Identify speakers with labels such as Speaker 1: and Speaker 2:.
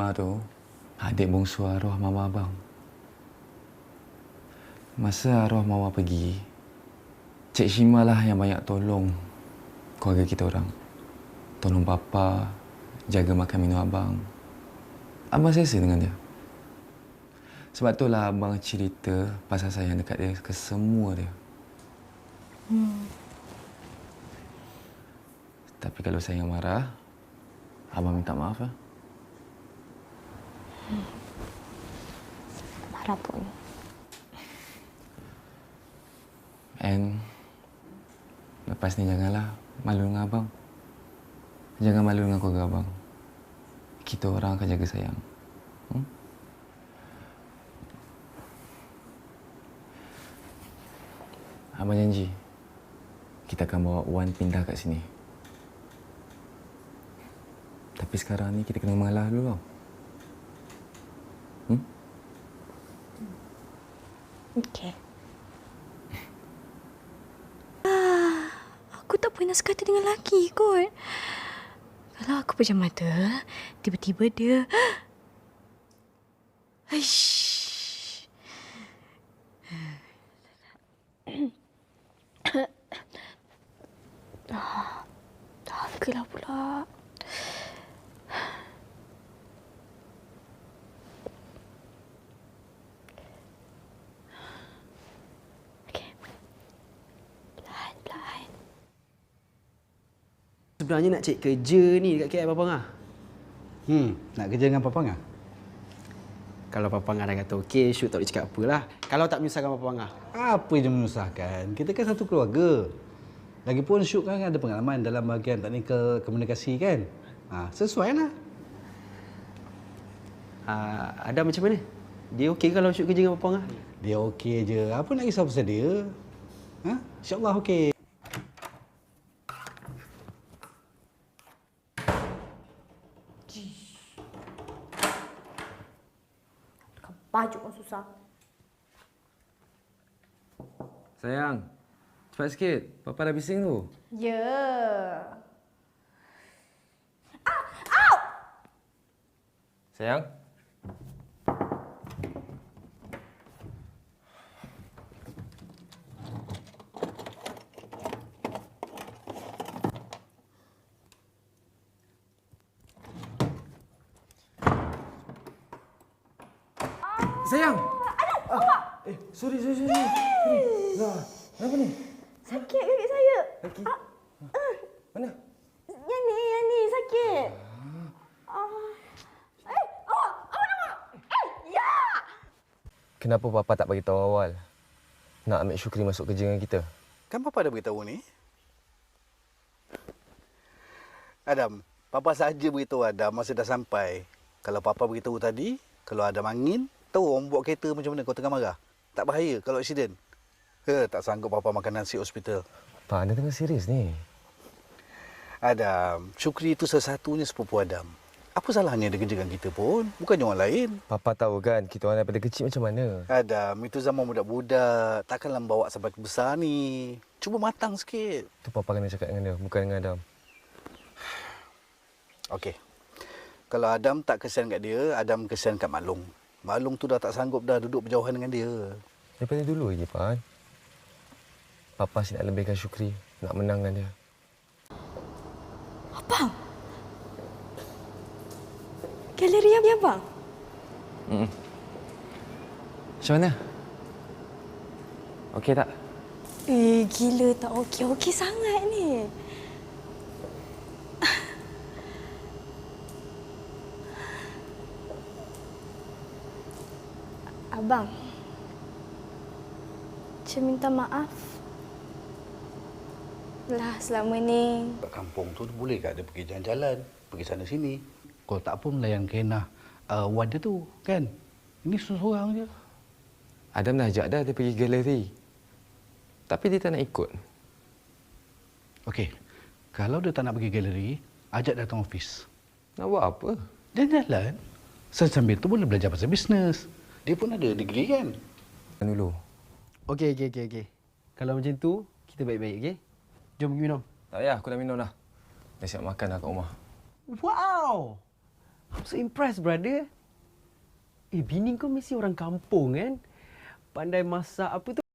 Speaker 1: Shima tu adik bongsu arwah mama abang. Masa arwah mama pergi, Cik Shima lah yang banyak tolong keluarga kita orang. Tolong bapa, jaga makan minum abang. Abang selesa dengan dia. Sebab itulah abang cerita pasal sayang dekat dia ke semua dia. Tapi kalau saya marah, abang minta maaf lah.
Speaker 2: Marah pun.
Speaker 1: And lepas ni janganlah malu dengan abang. Jangan malu dengan keluarga abang. Kita orang akan jaga sayang. Abang janji, kita akan bawa Wan pindah kat sini. Tapi sekarang ni kita kena mengalah dulu tau.
Speaker 2: Okey. Aku tak pernah sekata dengan lelaki kot. Kalau aku pejam mata, tiba-tiba dia... Aish. Dahagalah pula.
Speaker 3: Sebenarnya nak cari kerja ni dekat KL Papang ah.
Speaker 4: Nak kerja dengan Papang ah?
Speaker 3: Kalau Papang dah kata okey, Syuk tak boleh cakap apalah. Kalau tak menyusahkan Papang ah.
Speaker 4: Apa je menyusahkan? Kita kan satu keluarga. Lagipun Syuk kan ada pengalaman dalam bahagian teknikal komunikasi kan? Sesuai lah.
Speaker 3: Adam macam mana? Dia okey kalau Syuk kerja dengan Papang ah?
Speaker 4: Dia okey je. Apa nak risau pasal dia? InsyaAllah okey.
Speaker 2: Baju pun susah.
Speaker 1: Sayang, cepat sikit. Papa dah bising tu.
Speaker 2: Ya.
Speaker 1: Sayang. Sayang! Sorry. Lah, kenapa ni?
Speaker 2: Sakit kaki saya.
Speaker 1: Kaki? Mana?
Speaker 2: Yang ni sakit. Ya!
Speaker 1: Kenapa Papa tak bagi tahu awal? Nak ambil Syukri masuk kerja dengan kita.
Speaker 4: Kan Papa dah beritahu ni? Adam, Papa saja beritahu Adam masa dah sampai. Kalau Papa beritahu tadi, kalau Adam angin, tahu orang buat kereta macam mana kau tengah marah? Tak bahaya kalau aksiden. Tak sanggup Papa makan nasi hospital.
Speaker 1: Pak, anda tengah serius ni.
Speaker 4: Adam, Syukri itu satu-satunya sepupu Adam. Apa salahnya dia kerja dengan kita pun? Bukannya orang lain.
Speaker 1: Papa tahu kan kita orang daripada kecil macam mana.
Speaker 4: Adam, itu zaman budak-budak. Takkanlah bawa sampai ke besar ni. Cuba matang sikit.
Speaker 1: Tu Papa kena cakap dengan dia, bukan dengan Adam.
Speaker 4: Okey. Kalau Adam tak kesian kat dia, Adam kesian kat Maklong. Maklong tu dah tak sanggup dah duduk berjauhan dengan dia.
Speaker 1: Daripada dulu lagi, Pak. Papa asyik nak lebihkan Syukri, nak menang dengan dia.
Speaker 2: Abang? Galeri yang abang?
Speaker 1: Macam mana? Okey tak?
Speaker 2: Gila tak okey sangat ni. Abang, Cik minta maaf. Lah selama ni...
Speaker 4: Kat kampung tu boleh tak dia pergi jalan-jalan, pergi sana sini. Kalau tak pun layan kenah Wan dia tu, kan? Ini seorang je.
Speaker 1: Adam dah ajak dia pergi galeri. Tapi dia tak nak ikut.
Speaker 4: Okey, kalau dia tak nak pergi galeri, ajak datang ofis.
Speaker 1: Nak buat apa?
Speaker 4: Jalan-jalan. Sambil tu boleh belajar pasal bisnes. Dia pun ada degree kan?
Speaker 1: Dulu.
Speaker 3: Okey. Kalau macam tu, kita baik-baik, okey? Jom pergi minum.
Speaker 1: Tak payah, aku dah minum dah. Dah siap makan dah kat rumah.
Speaker 3: Wow! I'm so impressed, brother. Bini kau mesti orang kampung kan? Pandai masak apa tu?